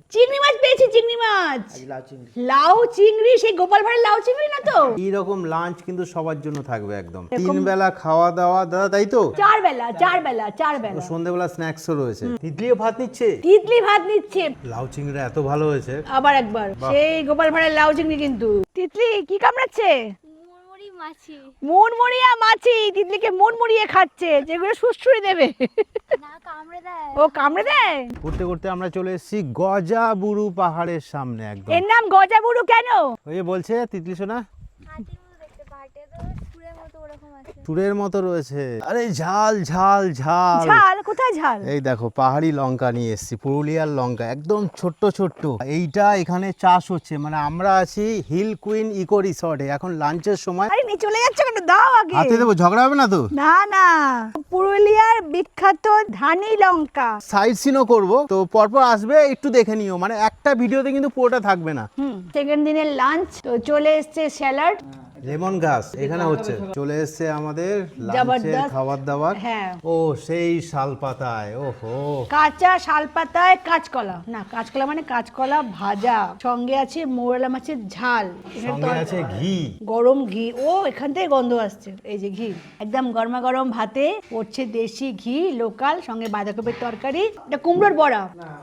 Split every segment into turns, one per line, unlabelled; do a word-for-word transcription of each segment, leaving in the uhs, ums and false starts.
চিংড়ি মাছ পেয়েছি, চিংড়ি মাছ।
লাউ চিংড়ি।
লাউ চিংড়ি, সেই গোপাল ভাড়ের লাউ চিংড়ি না তো?
এইরকম লাঞ্চ কিন্তু সবার জন্য থাকবে একদম। তিন বেলা খাওয়া দাওয়া দাদা, তাই তো?
চার বেলা, চার বেলা, চার বেলা।
সন্ধ্যেবেলা স্ন্যাক্সও রয়েছে। তিতলিও ভাত নিচ্ছে।
তিতলি ভাত নিচ্ছে।
লাউ চিংড়িটা এত ভালো হয়েছে।
আবার একবার সেই গোপাল ভাড়ের লাউ চিংড়ি কিন্তু। তিতলি কি কামড়াচ্ছে?
মুড়মুড়ি মাছি।
মুড়মুড়িয়া মাছি তিতলিকে মুড়মুড়িয়ে খাচ্ছে, যেগুলো সুস্থুরি দেবে।
না কামড়ে দেয়।
ও কামড়ে দেয়।
করতে করতে আমরা চলে এসেছি গজাবুরু পাহাড়ের সামনে একদম।
এর নাম গজাবুরু কেন?
ওই যে বলছে তিতলি সোনা
হাতির মতো দেখতে, পাহাড়টা তো সুরের মতো ওরকম আছে।
চুরের মতো রয়েছে। আরে ঝাল ঝাল ঝাল
ঝাল কোথায় ঝাল?
এই দেখো পাহাড়ি লঙ্কা নিয়ে এসেছি, পুরুলিয়ার লঙ্কা, একদম ছোট্ট ছোট্ট। এইটা এখানে চাষ হচ্ছে, মানে আমরা আছি হিল কুইন ইকো রিসর্টে, এখন লাঞ্চের সময়।
আরে নিয়ে চলে যাচ্ছে কেন? দাও আগে।
হাতে দেবো, ঝগড়া হবে না তো?
না না, পুরুলিয়ার বিখ্যাত ধানি লঙ্কা।
সাইড সিনও করবো তো, পরপর আসবে, একটু দেখে নিও, মানে একটা ভিডিওতে কিন্তু পুরোটা থাকবে না।
হুম, সেকেন্ড দিনের লাঞ্চ তো চলে এসছে স্যালাড,
লেমন ঘাস এখানে হচ্ছে, চলে এসছে আমাদের লাঞ্চের
জবরদস্ত
খাবার দাবার।
হ্যাঁ।
ও সেই শাল পাতায়, ওহো
কাঁচা শালপাতায় কাঁচকলা, না কাঁচকলা মানে কাঁচকলা ভাজা, সঙ্গে আছে মোরলা মাছের ঝাল, এখানে
সঙ্গে
তো
আছে ঘি,
গরম ঘি। ও এখান থেকে গন্ধ আসছে, এই যে ঘি একদম গরমা গরম ভাতে পড়ছে দেশি ঘি লোকাল, সঙ্গে বাঁধাকপির তরকারি, এটা কুমড়োর বড়া,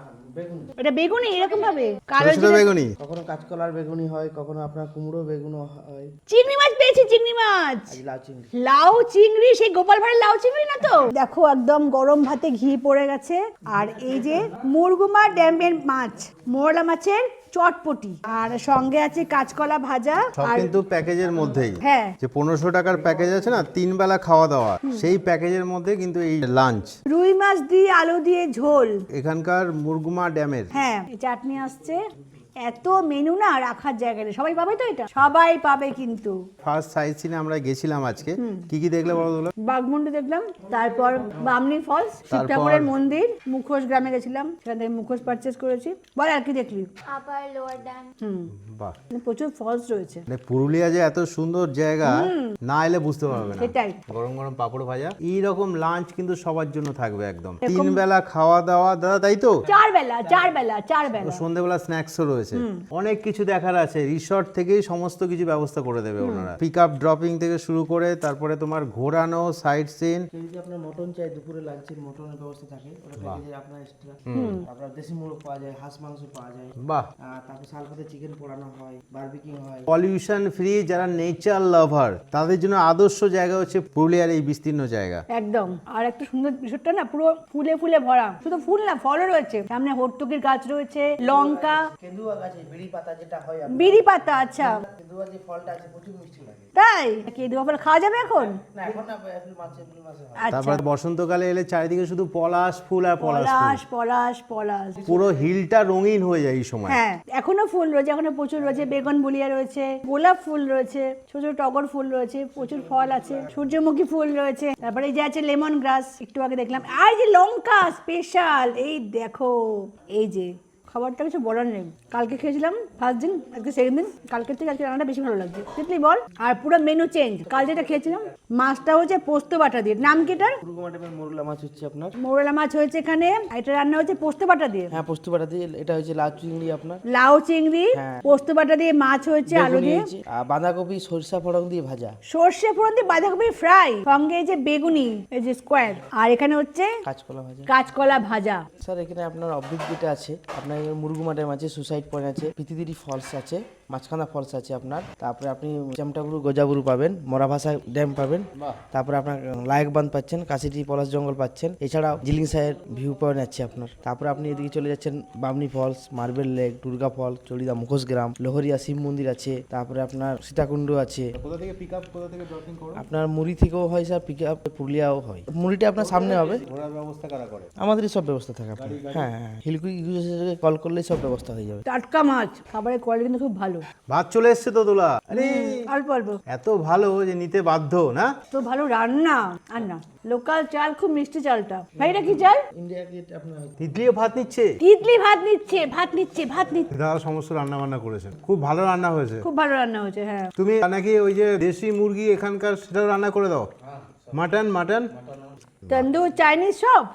এটা বেগুনি এরকম ভাবে কালো
ছোট ছোট বেগুনি।
কখনো কাঁচকলার বেগুনি হয়, কখনো আপনার কুমড়ো বেগুনও হয়।
চিংড়ি মাছ পেয়েছি, চিংড়ি মাছ।
লাউ চিংড়ি।
লাউ চিংড়ি, সেই গোপাল ভাড়ের লাউ চিংড়ি না তো? দেখো একদম গরম ভাতে ঘি পড়ে গেছে, আর এই যে মুরগুমা ড্যামের মাছ, মোরলা মাছের চটপটি, আর সঙ্গে আছে কাঁচকলা ভাজা।
সব
আর
কিন্তু প্যাকেজের মধ্যেই।
হ্যাঁ,
যে পনেরোশো টাকার প্যাকেজ আছে না, তিন বেলা খাওয়া দাওয়া, সেই প্যাকেজের মধ্যে কিন্তু এই লাঞ্চ।
রুই মাছ দিয়ে আলু দিয়ে ঝোল,
এখানকার মুরগুমা ড্যামের।
হ্যাঁ চাটনি আসছে। এত মেনু না রাখার জায়গা নেই, সবাই পাবে তো? এটা সবাই পাবে কিন্তু।
ফার্স্ট সাইট সিনে আমরা গেছিলাম আজকে, কি কি দেখলে বলো তো?
বাঘমুন্ডি দেখলাম, তারপর বামনি ফলস, শিব ঠাকুরের মন্দির, মুখোশ গ্রামে গেছিলাম, সেখান থেকে মুখোশ পারচেস করেছি। বল আর কি দেখলি?
Upper lower dam.
হুম,
বাহ,
মানে প্রচুর ফলস রয়েছে।
মানে পুরুলিয়া যে এত সুন্দর জায়গা, না এলে বুঝতে পারবে না।
সেটাই।
গরম গরম পাপড় ভাজা, এইরকম লাঞ্চ কিন্তু সবার জন্য থাকবে একদম। তিন বেলা খাওয়া দাওয়া দাদা, তাই তো?
চার বেলা, চার বেলা, চার বেলা।
সন্ধ্যেবেলা স্ন্যাক্সও রয়েছে, অনেক কিছু দেখার আছে। রিসর্ট থেকেই সমস্ত কিছু ব্যবস্থা করে দেবে ওনারা, পিক আপ ড্রপিং থেকে শুরু করে, তারপরে তোমার ঘোরানো, সাইট সিন।
কেউ যদি আপনার মটন চাই, দুপুরে লাঞ্চের মটনের ব্যবস্থা থাকে, ওটা প্যাকেজে আপনার এক্সট্রা। আপনার দেশি মোরগ পাওয়া যায়, হাঁস মাংস পাওয়া যায়।
বাহ,
আহ, তারপর শালপাতে চিকেন পোড়ানো হয়, বারবিকিং হয়।
পলিউশন ফ্রি, যারা নেচার লাভার তাদের জন্য আদর্শ জায়গা হচ্ছে পুরুলিয়ার এই বিস্তীর্ণ জায়গা।
একদম। আর একটা সুন্দর বিষয়টা না, পুরো ফুলে ফুলে ভরা, শুধু ফুল না ফলও রয়েছে, সামনে হর্তুকির গাছ রয়েছে, লঙ্কা,
কেঁদুয়া গাছে বিড়ি পাতা যেটা হয়,
বিড়ি পাতা। আচ্ছা
কেঁদুয়া যে ফলটা আছে প্রচুর মিষ্টি লাগে।
তাই? কি দু ফল খাওয়া যাবে এখন?
না এখন না, এপ্রিল মাসে এপ্রিল মাসে হয়।
আচ্ছা,
তারপরে বসন্তকালে এলে চারিদিকে শুধু পলাশ ফুল আর পলাশ ফুল,
পলাশ পলাশ পলাশ,
পুরো হিলটা রঙিন হয়ে যায় এই সময়।
হ্যাঁ এখনো ফুল রয়েছে, এখনো প্রচুর রয়েছে, বেগুন বুলিয়া রয়েছে, গোলাপ ফুল রয়েছে, ছোট ছোট টগর ফুল রয়েছে, প্রচুর ফল আছে, সূর্যমুখী ফুল রয়েছে, তারপরে এই যে আছে লেমন গ্রাস, একটু আগে দেখলাম, আর এই যে লঙ্কা স্পেশাল, এই দেখো, এই যে খাবারটা কিছু বলার নেই। কালকে খেয়েছিলাম ফার্স্ট দিন, আজকে সেকেন্ড দিন, কালকের থেকে আজকে রান্নাটা বেশি ভালো লাগছে। তিতলি বল। আর পুরো মেনু চেঞ্জ। কাল যেটা খেয়েছিলাম মাছটা হচ্ছে পোস্ত বাটা দিয়ে, নাম কি এটার?
মুরগুমা টাইপের মোরলা মাছ হচ্ছে আপনার।
মোরলা মাছ হয়েছে এখানে, এটা রান্না হচ্ছে পোস্ত বাটা দিয়ে।
হ্যাঁ, পোস্ত বাটা দিয়ে। এটা হচ্ছে লাউ চিংড়ি আপনার।
লাউ চিংড়ি,
হ্যাঁ।
পোস্ত বাটা দিয়ে মাছ হয়েছে, আলু
বেগুনি
দিয়ে,
হয়েছে, আর বাঁধাকপি সরিষা ফোড়ন দিয়ে ভাজা।
সর্ষে ফোড়ন দিয়ে বাঁধাকপি ফ্রাই, সঙ্গে এই যে বেগুনি, এই যে স্কোয়ার, আর এখানে হচ্ছে
কাঁচকলা ভাজা।
কাঁচকলা ভাজা।
স্যার এখানে আপনার অবভিক যেটা আছে, আপনার মুরগুমা ড্যাম আছে, সুসাইড পয়েন্ট আছে, পিতিদিরি ফলস আছে, মাঝখানা ফলস আছে আপনার। তারপরে আপনি চামটাবুরু গজাবুরু পাবেন, মরা ভাষা ড্যাম পাবেন, তারপরে আপনার লায়ক বাঁধ পাচ্ছেন, কাশিটি পলাশ জঙ্গল পাচ্ছেন, এছাড়াও জিলিং সাহের ভিউ পয়েন্ট আছে আপনার। তারপরে আপনি এদিকে চলে যাচ্ছেন Bamni falls, marble lake, Durga fall, Charida মুখোশ গ্রাম, লোহরিয়া শিব মন্দির আছে, তারপরে আপনার সীতাকুণ্ড আছে।
কোথা থেকে পিক আপ, কোথা থেকে ড্রপিং করো?
আপনার মুড়ি থেকেও হয় স্যার, পিক আপ পুরুলিয়াও হয়। মুড়িটা আপনার সামনে হবে,
ঘোরার ব্যবস্থা কারা করে?
আমাদেরই সব ব্যবস্থা থাকে আপনার। হ্যাঁ হ্যাঁ, হিলকুই কল করলেই সব ব্যবস্থা হয়ে যাবে।
টাটকা মাছ, খাবারের কোয়ালিটি কিন্তু খুব ভালো।
ভাত চলে এসছে তো দোলা, আরে
অল্প অল্প,
এত ভালো যে নিতে বাধ্য না।
তো ভালো রান্না। আর না, লোকাল চাল, খুব মিষ্টি চালটা। ভাই এটা কি চাল?
ইন্ডিয়া গেট আপনার।
তিতলিও ভাত নিচ্ছে,
তিতলি ভাত নিচ্ছে, ভাত নিচ্ছে, ভাত নিচ্ছে।
দাদা সমস্ত রান্না বান্না করেছেন, খুব ভালো রান্না হয়েছে।
খুব ভালো রান্না হয়েছে। হ্যাঁ,
তুমি নাকি ওই যে দেশি মুরগি এখানকার সেটা রান্না করে দাও? মাটন মাটন
তন্দুর চাইনিজ সব।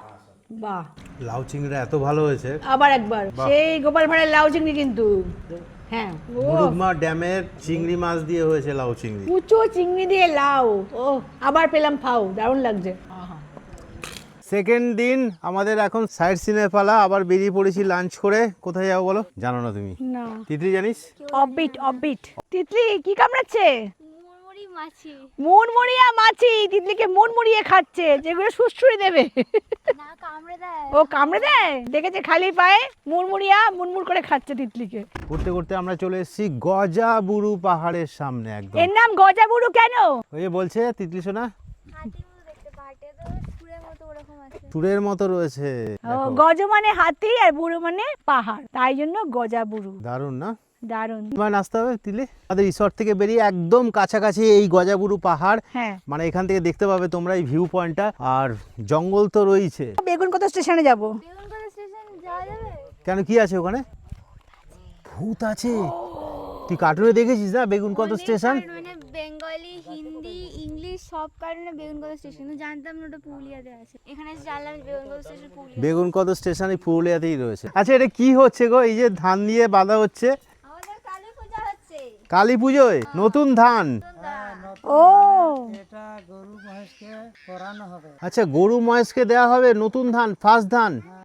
বাহ,
লাউ চিংড়িটা এত ভালো হয়েছে।
আবার একবার সেই গোপাল ভাড়ের লাউ চিংড়ি কিন্তু, হ্যাঁ ও
মুরুগমা ড্যামের চিংড়ি মাছ দিয়ে হয়েছে লাউ চিংড়ি।
কুচো চিংড়ি দিয়ে লাউ, ও আবার পেলাম ফাউ, দারুণ লাগছে।
সেকেন্ড দিন আমাদের এখন সাইড সিনের পালা, আবার বেরিয়ে পড়েছি লাঞ্চ করে। কোথায় যাবো বলো? জানো না তুমি?
না,
তিতলি জানিস?
Offbeat offbeat. তিতলি কি কামড়াচ্ছে?
মুড়মুড়ি মাছি।
মুড়মুড়িয়া মাছি তিতলিকে মুড়মুড়িয়ে খাচ্ছে, যেগুলো সুস্থুরি দেবে।
না কামড়ে দেয়।
ও কামড়ে দেয়, দেখেছে খালি পায়ে মুড়মুড়িয়া মুড়মুড় করে খাচ্ছে তিতলিকে।
করতে করতে আমরা চলে এসেছি গজাবুরু পাহাড়ের সামনে একদম।
এর নাম গজাবুরু কেন?
ওই যে বলছে তিতলি সোনা
হাতির মতো দেখতে, পাহাড়টা তো সুরের মতো ওরকম আছে।
টুরের মতো রয়েছে।
ও গজ মানে হাতি আর বুড়ো মানে পাহাড়, তাই জন্য গজাবুরু।
দারুণ না?
দারুণ।
তোমার নাচতে হবে তিতলি। আমাদের রিসর্ট থেকে বেরিয়ে একদম কাছাকাছি এই গজাবুরু পাহাড়,
হ্যাঁ,
মানে এখান থেকে দেখতে পাবে তোমরা এই ভিউ পয়েন্টটা। আর জঙ্গল তো রয়েছে।
বেগুন কত স্টেশনে যাব?
বেগুনকোলা স্টেশন যাওয়া যাবে?
কেন, কি আছে ওখানে? ভূত আছে? তুই কার্টুনে দেখেছিস না বেগুন কত স্টেশন?
মানে বেঙ্গলি, হিন্দি, ইংলিশ সব কারণে বেগুনকোলা স্টেশন। জানতাম না ওটা পুরুলিয়াতে আছে। এখানে এসে জানলাম বেগুনকোলা স্টেশন পুরুলিয়া।
বেগুন কত স্টেশন এই পুরুলিয়াতেই রয়েছে। আচ্ছা, এটা কি হচ্ছে গো? এই যে ধান দিয়ে বাঁধা হচ্ছে,
আমাদের কালী পূজা হচ্ছে।
কালী পুজোয় নতুন ধান।
ও
আচ্ছা, গরু মহেশকে দেওয়া হবে নতুন ধান, ফার্স্ট ধান।